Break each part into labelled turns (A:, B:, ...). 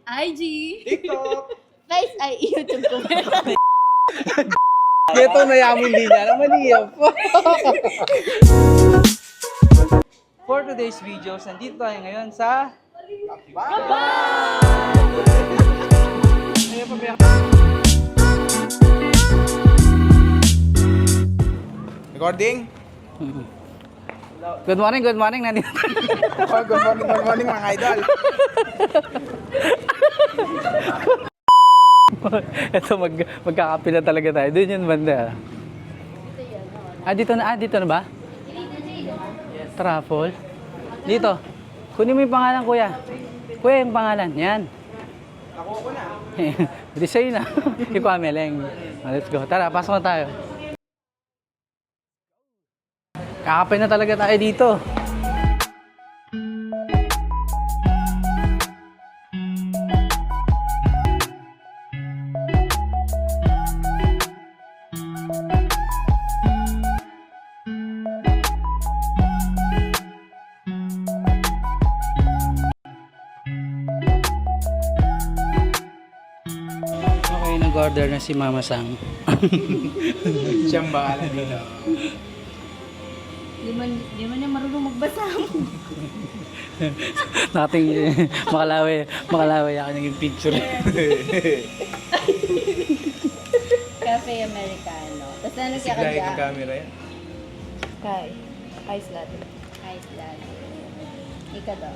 A: IG.
B: TikTok.
A: Face ay YouTube ko.
C: Ito na yamin din niya. Naman niya po. For today's videos, nandito tayo ngayon sa...
B: Recording?
C: Good morning, good morning. Nandito.
B: Oh, good morning mga idol.
C: Ito, magkakape na talaga tayo. Doon yun banda. Dito na ba? Truffle. Dito. Kunin mo yung pangalan, kuya. Kuya, yung pangalan. Yan.
B: Nakuha ko na.
C: Hindi sa'yo na. Yung Kwameleng. Let's go. Tara, pasok na tayo. Kakapay na talaga tayo dito. Okay, nag-order na si Mama Sang.
B: Siyang bahala dito.
A: Di man niya marunong magbasa.
C: Nating makalawi ako naging picture.
A: Cafe Americano. Tapos ano siya
B: Siglahin
A: kadya?
B: ng camera yan.
A: Kay. Ice latte. Ice latte. Ika daw.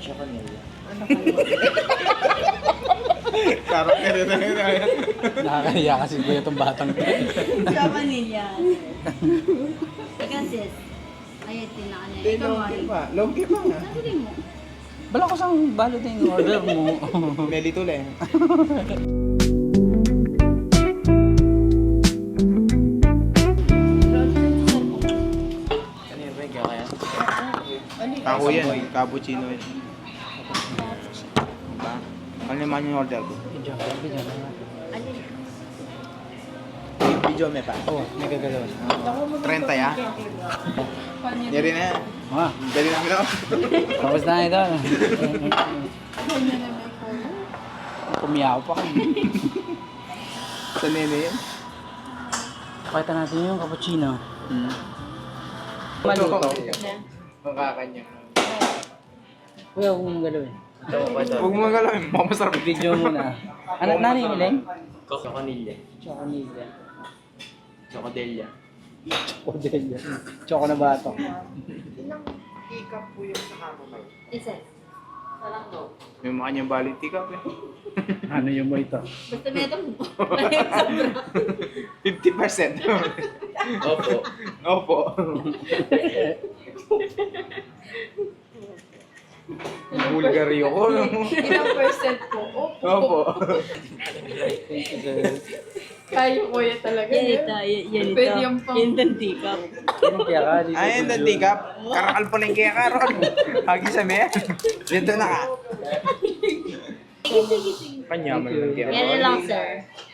B: Karakter na yun.
C: Nakakahiya kasi ko itong batang.
A: Sa vanilla. Ika sis. Ay, tinaka niya. Ikaw mo.
B: Long key pa nga.
A: Sabi mo.
C: Bala ko sang balot na yung order mo.
B: Melito lang. Ako yan, cappuccino yan. Diba? Ano naman yung order ko?
C: Video na.
B: Video may pa.
C: Oo, may gagalaw.
B: 30 ya? Yari na yan. Dali namin ako.
C: Tapos na ito. Kumiyaw pa kami.
B: Sa nene yan?
C: Pakita natin yung cappuccino.
B: Mali ko. Makakanya.
C: Kuya, huwag mong galawin.
B: Huwag mo magalawin. Masarap.
C: Video muna. Ano na yung iling?
D: Choconilla.
C: Choconilla.
D: Chocodelia.
C: Chocodelia. Choco na bato.
B: Hikap po yung sa kamamay.
A: Isa.
B: May mukha niyang valid hikap eh.
C: Ano yung mo ito?
A: Basta may itong
B: 50%.
D: Opo.
B: Opo. Bulgaryo ko.
E: Ilang percent po?
B: Opo.
E: Kayo kuya talaga.
A: Yan ito. Yan ito.
E: Pwede yung pang...
A: Yan ang tikap.
C: Anong kaya ka? Dito
B: Ayun,
C: video.
B: nantikap. Karakal pa lang kaya karon. Hagi sa meya. Dito na ka. Panyaman lang kaya.
A: Yan na lang, sir.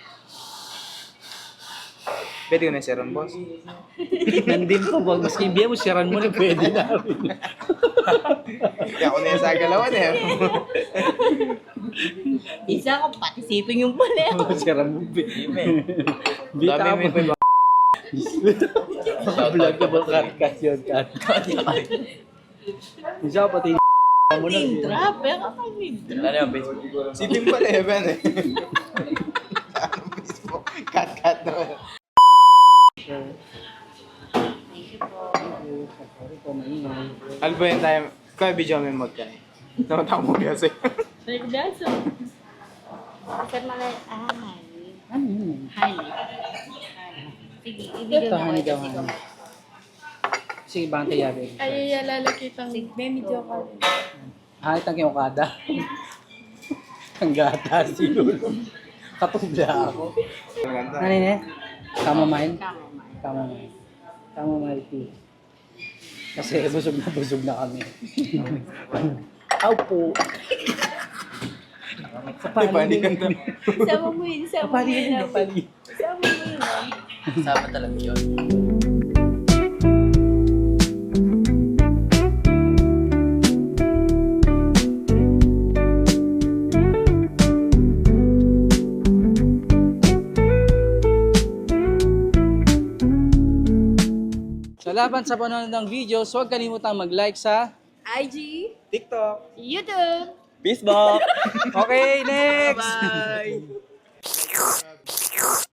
B: Pwede ko na siron, boss.
C: Nandun ko, wag maski biya mo, siran mo na pwede na.
B: Kaya ako na yung sa galawan eh.
A: Isa ko, pati siping yung pala.
C: Siran mo, bita
B: Dami
C: mo.
B: may
C: Vlog ka ba? Cut yun, cut. Isa pati mo na.
A: Name drop. Pero kapag name drop.
D: Ano yung Facebook?
B: Sipin pala eh, Ben eh. Ano Facebook? Cut naman. Ano ba yung tayo? Kaya video may mod ka eh. Namatang mo kasi.
A: Regdaso. Sir Malay.
C: Ano yun?
A: Honey. Sige, ibigay
C: Ito,
A: mo ko.
C: honey daw,
A: Sige,
C: honey. Sige, bangkay yabi.
E: Ay, lalakitang medyo ka.
C: Hangit ang kiyokada. Ang gata si Lolo. Katubla ako.
B: Maganda.
C: Ano yun eh? Chamomile?
A: Chamomile.
C: Chamomile. Chamomile tea. Kasi busog na kami. Aw po.
B: Di ba, hindi ganda.
A: Sama mo yun. Sama mo yun.
C: Napali.
A: Sama mo yun.
D: Sama talaga yun.
C: Salamat sa panonood ng videos. Huwag kalimutang mag-like sa...
E: IG,
B: TikTok.
E: YouTube.
D: Peace, Bok!
C: Okay, next!
D: Bye!